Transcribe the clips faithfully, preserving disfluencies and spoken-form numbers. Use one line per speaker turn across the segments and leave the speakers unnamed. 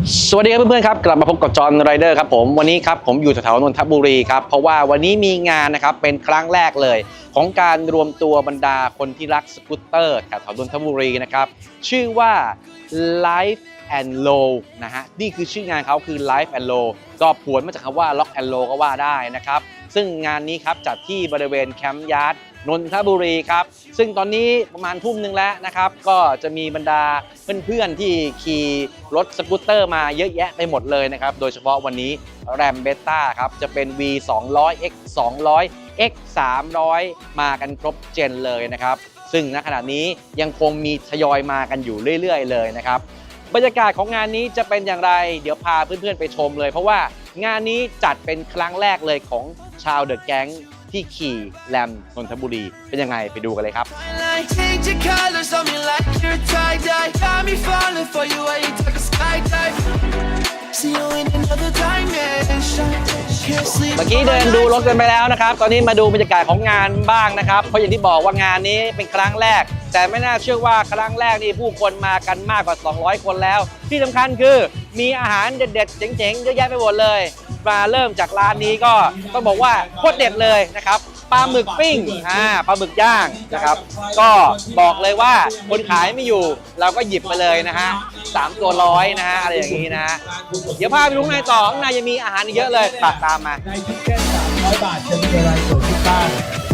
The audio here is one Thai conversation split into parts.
สวัสดีครับเพื่อนๆครับกลับมาพบกับจอห์นไรเดอร์ครับผมวันนี้ครับผมอยู่แถวๆนนทบุรีครับเพราะว่าวันนี้มีงานนะครับเป็นครั้งแรกเลยของการรวมตัวบรรดาคนที่รักสกูตเตอร์แถวๆนนทบุรีนะครับชื่อว่า Life and Low นะฮะนี่คือชื่องานเขาคือ Life and Low ก็ผวนมาจากคำว่า Lock and Low ก็ว่าได้นะครับซึ่งงานนี้ครับจัดที่บริเวณแคมป์ยาร์ดนนทบุรีครับซึ่งตอนนี้ประมาณทุ่มหนึ่งแล้วนะครับก็จะมีบรรดาเพื่อนๆที่ขี่รถสกูตเตอร์มาเยอะแยะไปหมดเลยนะครับโดยเฉพาะวันนี้แรมเบต้าครับจะเป็น วี สองร้อย เอ็กซ์ สองร้อย เอ็กซ์ สามร้อย มากันครบเจนเลยนะครับซึ่งณขณะนี้ยังคงมีทยอยมากันอยู่เรื่อยๆเลยนะครับบรรยากาศของงานนี้จะเป็นอย่างไรเดี๋ยวพาเพื่อนๆไปชมเลยเพราะว่างานนี้จัดเป็นครั้งแรกเลยของชาวเดอะแก๊งที่ขี่แรมนนทบุรีเป็นยังไงไปดูกันเลยครับเมื่อกี้เดินดูรถกันไปแล้วนะครับตอนนี้มาดูบรรยากาศของงานบ้างนะครับเพราะอย่างที่บอกว่างานนี้เป็นครั้งแรกแต่ไม่น่าเชื่อว่าครั้งแรกนี่ผู้คนมากันมากกว่าสองร้อยคนแล้วที่สำคัญคือมีอาหารเด็ดๆเจ๋งๆเยอะแยะไปหมดเลยมาเริ่มจากร้านนี้ก็ต้องบอกว่าโคตรเด็ดเลยนะครับปลาหมึกปิ้งอ่าปลาหมึกย่างนะครับก็บอกเลยว่าคนขายไม่อยู่เราก็หยิบไปเลยนะฮะสามตัวร้อยนะฮะอะไรอย่างนี้นะเดี๋ยวพาไปดูข้างในต่อข้างในยังมีอาหารเยอะเลยตัดตามมา
ในทิเก็ตสามร้อยบาทจะมีอะไรเกิดขึ้นบ้าง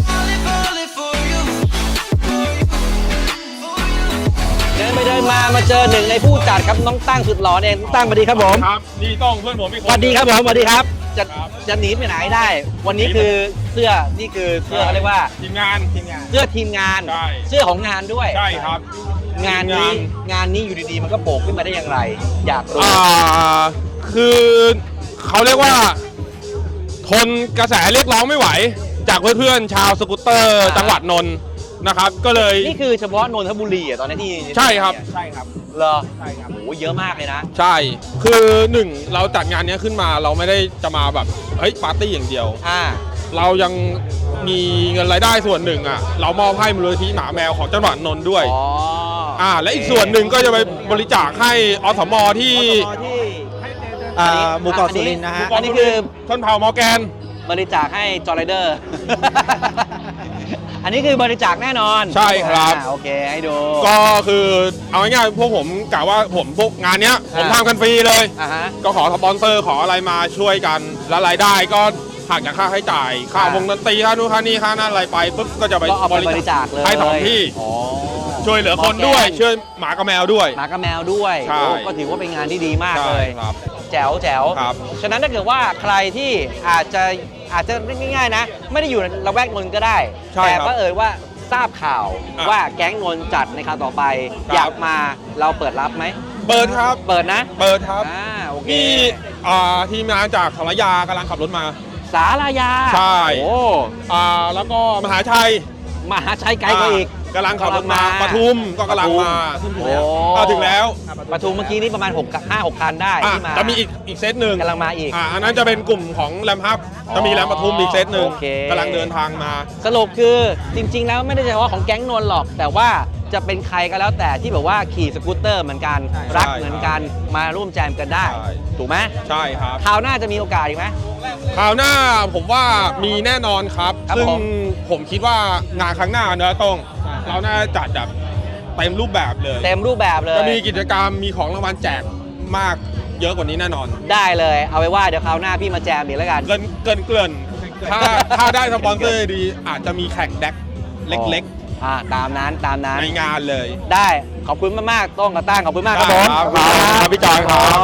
เดินไปเดินมามาเจอหนึ่งในผู้จัดครับน้องตั้งสุดหล่อเองตั้งสวัสดีครับผม
ครับนี่ต้องเพื่อนผมอีกคน
สวัสดีครับผมสวัสดีครับจะจะหนีไปไหนได้ วันนี้คือเสื้อนี่คือเสื้อเขาเรียกว่า
ทีมงานทีมงาน
เสื้อทีมงานเสื้อของงานด้วย
ใช่ครับ
งานนี้งานนี้อยู่ดีๆมันก็โผล่ขึ้นมาได้อย่างไรอยากรู้
อ่าคือเขาเรียกว่าทนกระแสเรียกร้องไม่ไหวจากเพื่อนๆชาวสกูตเตอร์จังหวัดนนท์นะครับก็เลย
นี่คือเฉพาะนนทบุรีอ่ะตอนนี้ที่
ใช่ครับใช่ครับ
เหรอใช่ครับโอ้เยอะมากเลยนะ
ใช่คือหนึ่งเราจัดงานนี้ขึ้นมาเราไม่ได้จะมาแบบเฮ้ยปาร์ตี้อย่างเดียว
อ่า
เรายังมีเงินรายได้ส่วนหนึ่งอ่ะเรามอบให้มูลนิธิหมาแมวของจังหวัดนนท์ด้วย
อ๋อ
อ่าและอีกส่วนหนึ่งก็จะไปบริจาคให้อสมที่
หมู่เกาะสุรินทร์นะฮะ
อันนี้คือ
ชนเผ่ามอร์แกน
บริจาคให้จอร์ไรเดอร์อันนี้คือบริจาคแน่นอน
ใช่ครับ
โอเคให้ดู
ก็คือเอาง่ายๆพวกผมกะว่าผมพวกงานเนี้ยผมทำกันฟรีเลยก็ขอสปอนเซอร์ขออะไรมาช่วยกันแล้วรายได้ก็หักจากค่าใช้จ่ายค่าวงดนตรีค่านู่นค่านี่ค่านั่นอะไรไปปุ๊บก็จะไป
บริจาคเลย
ให้สองที่ช่วยเหลือคนด้วยช่วยหมากับแมวด้วย
หมากับแมวด้วยก็ถือว่าเป็นงานที่ดีมากเลยแจ๋วแจ๋วฉะนั้นถ้าเกิดว่าใครที่อาจจะอาจจะง่ายๆนะไม่ได้อยู่ในละแวกนนท์ก็ได้แต่ก็เอ่ยว่าทราบข่าวว่าแก๊งนนท์จัดในคราวต่อไปอยากมาเราเปิดรับไหม
เปิดครับ
เปิดนะ
เปิดครับ
มี
ทีมงานจากสารยากำลังขับรถมา
สารยา
ใช่โอ้แล้วก็มหาชัย
มหาชัยไกลกว่าอีก
กำลังขับรถมาปทุมก็กำลังมาถึงแล้ว
ปทุมเมื่อกี้นี่ประมาณหก ห้า หกคันได้ที่มา
จะมีอีกอีกเซตหนึ่ง
กำลังมาอีก
อันนั้นจะเป็นกลุ่มของแรมฮับจะมีแรมปทุมอีกเซตหนึ่งกำลังเดินทางมา
สรุปคือจริงๆแล้วไม่ได้เฉพาะของแก๊งนนท์หรอกแต่ว่าจะเป็นใครก็แล้วแต่ที่แบบว่าขี่สกูตเตอร์เหมือนกันรักเหมือนกันมาร่วมแจมกันได้ถูกไหม
ใช่ครับ
คราวหน้าจะมีโอกาสอีกไหม
คราวหน้าผมว่ามีแน่นอนครับซึ่งผมคิดว่างานครั้งหน้าเนอะต้องเราน่าจัดแบบเต็มรูปแบบเลย
เต็มรูปแบบเลย
จะมีกิจกรรมมีของรางวัลแจกมากเยอะกว่านี้แน่นอน
ได้เลยเอาไว้ว่าเดี๋ยวคราวหน้าพี่มาแจมอีกแล้วกัน
เกินเกินเกินถ้าถ้าได้สปอนเซอร์ดีอาจจะมีแข่งแดกเล็ก
ๆอ่าตามนั้นตามนั้น
ในงานเลย
ได้ขอบคุณมากๆต้องกระตั้งขอบคุณมากครับผม
ครับพี่จอยครับ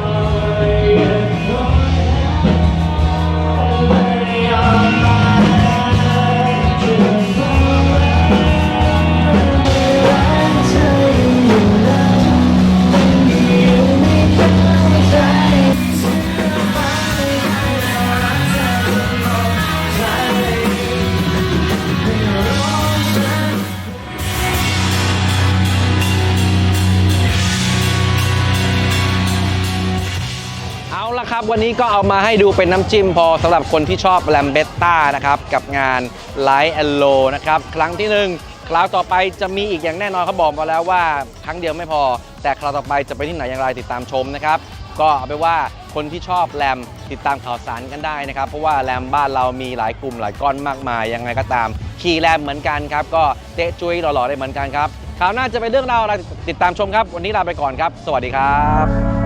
ครับวันนี้ก็เอามาให้ดูเป็นน้ำจิ้มพอสำหรับคนที่ชอบแรมเบต้านะครับกับงาน Life and Low นะครับครั้งที่หนึ่งคราวต่อไปจะมีอีกอย่างแน่นอนเขาบอกมาแล้วว่าครั้งเดียวไม่พอแต่คราวต่อไปจะไปที่ไหนอย่างไรติดตามชมนะครับก็เอาไปนว่าคนที่ชอบแรมติดตามข่าวสารกันได้นะครับเพราะว่าแรมบ้านเรามีหลายกลุ่มหลายก้อนมากมายยังไงก็ตามขี่แรมเหมือนกันครับก็เตะจุยหล่อๆได้เหมือนกันครับคราวหน้าจะเป็นเรื่องราวอะไรติดตามชมครับวันนี้ลาไปก่อนครับสวัสดีครับ